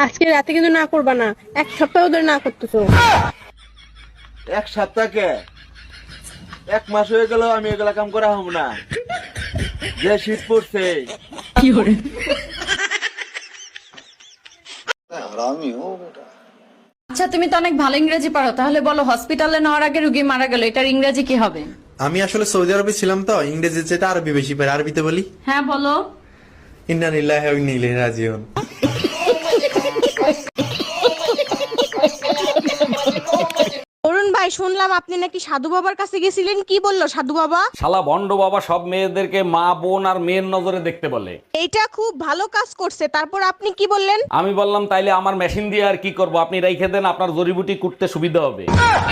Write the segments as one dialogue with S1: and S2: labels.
S1: আজকে রাতে কিন্তু না করবা না, 1 সপ্তাহ ধরে না করতেছো।
S2: 1 সপ্তাহকে 1 মাস হয়ে গেল আমি এগুলা কাম করা হব না। যে শীত পড়ছে
S3: আচ্ছা তুমি তো অনেক ভালো ইংরেজি পারো, তাহলে বলো হসপিটালে নেওয়ার আগে রুগী মারা গেল, এটার ইংরেজি কি হবে?
S4: আমি আসলে সৌদি আরবে ছিলাম তো, ইংরেজি যেটা আরবি বেশি পারি, আরবিতে বলি
S3: হ্যাঁ বলো।
S4: ইন্না লিল্লাহি ওয়া ইন্না ইলাইহি রাজিউন।
S1: অরুণ ভাই, শুনলাম আপনি নাকি সাধু বাবার কাছে গেছিলেন, কি বললো সাধু বাবা?
S5: শালা ভণ্ড বাবা সব মেয়েদেরকে মা বোন আর মেয়ের নজরে দেখতে বলে।
S1: এইটা খুব ভালো কাজ করছে, তারপর আপনি কি বললেন?
S5: আমি বললাম তাইলে আমার মেশিন দিয়ে আর কি করব, আপনি রাইখে দেন, আপনার জড়িবুটি কুটতে সুবিধা হবে।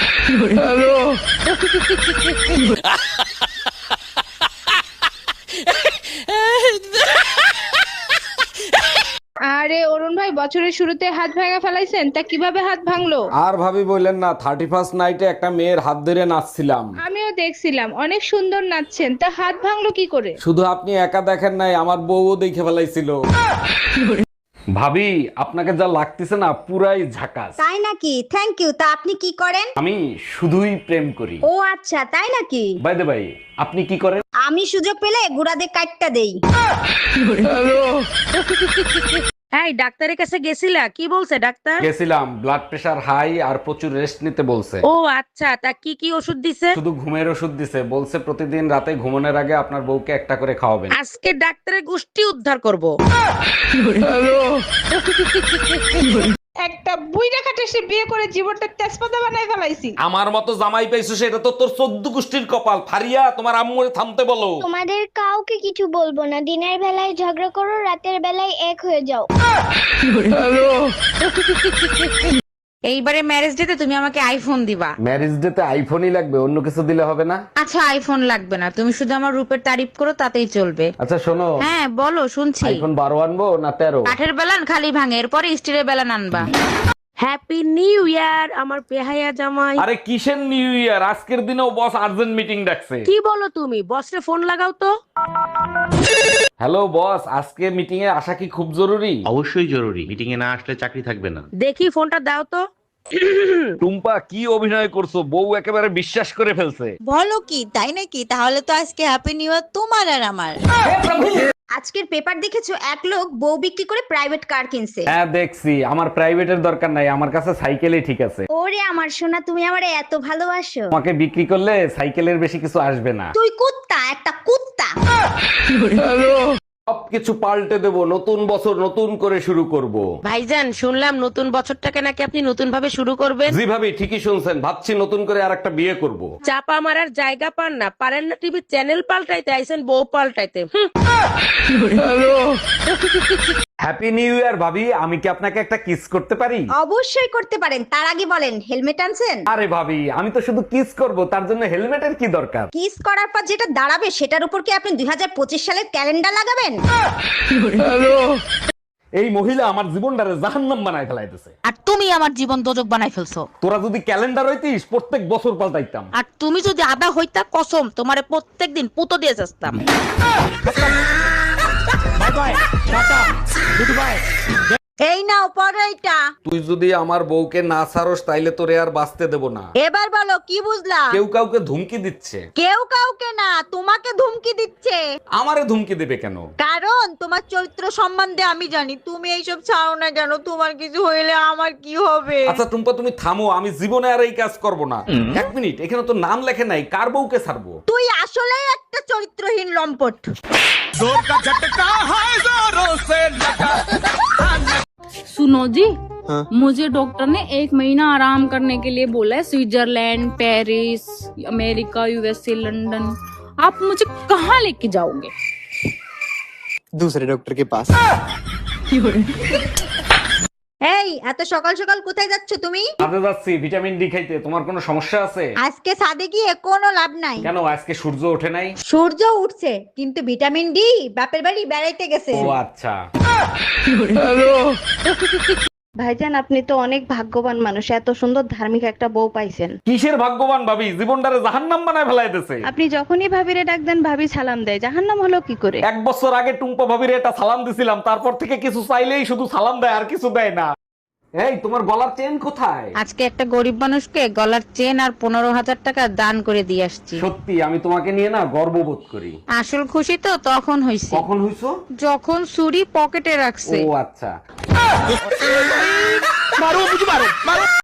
S6: আরে অরুণ ভাই, বছরের শুরুতে হাত ভাঙা ফেলাইছেন, তা কিভাবে হাত ভাঙলো?
S5: আর ভাবি বললেন না, 31st নাইটে একটা মেয়ের হাত ধরে নাচছিলাম।
S6: আমিও দেখছিলাম অনেক সুন্দর নাচছেন, তা হাত ভাঙলো কি করে?
S5: শুধু আপনি একা দেখেন নাই, আমার বউও দেখে ফেলাইছিল। ভাবি আপনাকে যা লাগতেছে না, পুরাই ঝাকাস।
S7: তাই নাকি? Thank you. তা আপনি কি করেন?
S5: আমি শুধুই প্রেম করি।
S7: ও আচ্ছা, তাই নাকি?
S5: বাই দ্য বাই, আপনি কি করেন?
S7: আমি সুযোগ পেলে গুড়াদের কাটটা দেই।
S1: এই ডাক্তারের কাছে গেছিলা, কি বলছে ডাক্তার?
S5: গেছিলাম, ব্লাড প্রেশার হাই আর প্রচুর রেস্ট নিতে বলছে।
S1: ও আচ্ছা, তা কি কি ওষুধ দিছে?
S5: শুধু ঘুমের ওষুধ দিছে, বলছে প্রতিদিন রাতে ঘুমানোর আগে আপনার বউকে একটা করে খাওয়াবেন।
S1: আজকে ডাক্তারের গোষ্ঠী উদ্ধার করব।
S6: একটা বুইড়া খাটে সে বিয়ে করে জীবনটা তেজপাতা বানায় ফেলাইছি।
S5: আমার মতো জামাই পাইছো সেটা তো তোর 14 গোষ্ঠীর কপাল। ফারিয়া, তোমার আম্মুরে থামতে বলো।
S8: তোমাদের কাউকে কিছু বলবো না, দিনের বেলায় ঝগড়া করো, রাতের বেলায় এক হয়ে যাও।
S3: এইবারে ম্যারেজ ডেতে তুমি আমাকে আইফোন দিবা।
S5: ম্যারেজ ডে তে আইফোনই লাগবে, অন্য কিছু দিলে হবে না?
S3: আচ্ছা আইফোন লাগবে না, তুমি শুধু আমার রূপের তারিফ করো, তাতেই চলবে।
S5: আচ্ছা শোনো,
S3: হ্যাঁ বলো, শুনছি।
S5: আইফোন 12 আনবো না 13?
S3: কাঠের বেলান খালি ভাঙে, এরপরে স্টিলের বেলান আনবা।
S1: হ্যাপি নিউ ইয়ার আমার বেহায়া জামাই।
S5: আরে কিসের নিউ ইয়ার, আজকের দিনেও বস আর্জেন্ট মিটিং ডাকছে।
S1: কি বলো তুমি? বসরে ফোন লাগাও তো।
S5: হ্যালো বস, আজকে মিটিং এ আসা কি খুব জরুরি?
S9: অবশ্যই জরুরি, মিটিং এ না আসলে চাকরি থাকবে না।
S1: দেখি ফোনটা দাও তো।
S5: টুম্পা কি অভিনয় করছো, বউ একেবারে বিশ্বাস করে ফেলছে।
S7: বলো কি, তাই নাকি? তাহলে তো আজকে হ্যাপি নিউ ইয়ার তোমার আর আমার। আজকের পেপার দেখেছো, এক লোক বউ বিক্রি করে প্রাইভেট কার কিনছে।
S5: হ্যাঁ দেখছি, আমার প্রাইভেটের দরকার নাই, আমার কাছে সাইকেলই ঠিক আছে।
S7: ওরে আমার সোনা, তুমি আমারে এত ভালোবাসো।
S5: তোমাকে বিক্রি করলে সাইকেলের বেশি কিছু আসবে না।
S7: তুই কুত্তা, একটা কুত্তা।
S5: সবকিছু পাল্টে দেব, নতুন বছর নতুন করে শুরু করব।
S1: ভাইজান, শুনলাম নতুন বছরটাকে নাকি আপনি নতুন ভাবে শুরু করবেন।
S5: জি ভাবি, ঠিকই শুনছেন, ভাবছি নতুন করে আর একটা বিয়ে করব।
S1: চাপা মারার জায়গা পান না, পারেন না টিভির চ্যানেল পাল্টাইতে, আইছেন বউ পাল্টাইতে।
S5: হ্যাপি নিউ ইয়ার ভাবি, আমি কি আপনাকে একটা কিস করতে পারি?
S7: অবশ্যই করতে পারেন, তার আগে বলেন হেলমেট আনছেন?
S5: আরে ভাবি, আমি তো শুধু কিস করব, তার জন্য হেলমেটের কি দরকার?
S7: কিস করার পর যেটা দাঁড়াবে সেটার উপর কি আপনি 2025 সালের ক্যালেন্ডার লাগাবেন?
S5: এই মহিলা আমার জীবনটারে জাহান্নাম বানায় ফেলাইতেছে।
S3: আর তুমি আমার জীবন দোজক বানাই ফেলছো।
S5: তোরা যদি ক্যালেন্ডার হইতিস, প্রত্যেক বছর পাল্টাইতাম।
S3: আর তুমি যদি আদা হইতা, কসম তোমারে প্রত্যেকদিন পুতো দিয়ে যাস্তাম।
S7: এই নাও পড়ো এটা।
S5: তুই যদি আমার বউকে না ছাড়স, তাইলে তোরে আর বাঁচতে দেব না।
S7: এবার বলো কি বুঝলা?
S5: কেউ কাউকে ধুমকি দিচ্ছে।
S7: কেউ কাউকে না, তোমাকে ধুমকি দিচ্ছে।
S5: আমারে ধুমকি দেবে কেন?
S7: কারণ তোমার চরিত্র সম্বন্ধে আমি জানি। তুমি এইসব ছাড়ো না কেন? তোমার কিছু হইলে আমার কি হবে?
S5: আচ্ছা টুম্পা, তুমি থামো, আমি জীবনে আর এই কাজ করব না। এক মিনিট, এখানে তো নাম লেখে নাই, কার বউকে ছাড়বো?
S7: তুই আসলেই একটা চরিত্রহীন লম্পট।
S6: सुनो जी, मुझे डॉक्टर ने 1 महीना आराम करने के लिए बोला है। Switzerland, Paris, America, USA, London. आप मुझे कहाँ लेके जाओगे?
S4: दूसरे डॉक्टर के पास।
S7: এই এত সকাল সকাল কোথায় যাচ্ছ তুমি?
S5: কাজে যাচ্ছি ভিটামিন ডি খাইতে। তোমার কোনো সমস্যা আছে?
S7: আজকে সাদে গিয়ে কোনো লাভ নাই।
S5: কেন, আজকে সূর্য ওঠে নাই?
S7: সূর্য উঠছে, কিন্তু ভিটামিন ডি বাপের বাড়ি বেড়াইতে গেছে।
S5: ও আচ্ছা।
S6: ভাইজান, আপনি তো অনেক ভাগ্যবান মানুষ, এত সুন্দর ধার্মিক একটা বউ পাইছেন।
S5: কিসের ভাগ্যবান ভাবি, জীবনটারে জাহান্নাম বানায় ফেলাইতেছে।
S6: আপনি যখনই ভাবিরে ডাক দেন, ভাবি সালাম দেয়। জাহান্নাম হলো কি করে?
S5: 1 বছর আগে টুম্পা ভাবিরে একটা সালাম দিছিলাম, তারপর থেকে কিছু চাইলেই শুধু সালাম দেয়, আর কিছু দেয় না। এই তোমার গলার চেন কোথায়?
S6: আজকে একটা গরিব মানুষকে গলার চেন আর 15,000 টাকা দান করে দিয়ে আসছি।
S5: সত্যি আমি তোমাকে নিয়ে না গর্ববোধ করি।
S6: আসল খুশি তো তখন হইছে
S5: কখন হইছো?
S6: যখন ছুরি পকেটে রাখছে।
S5: ও আচ্ছা।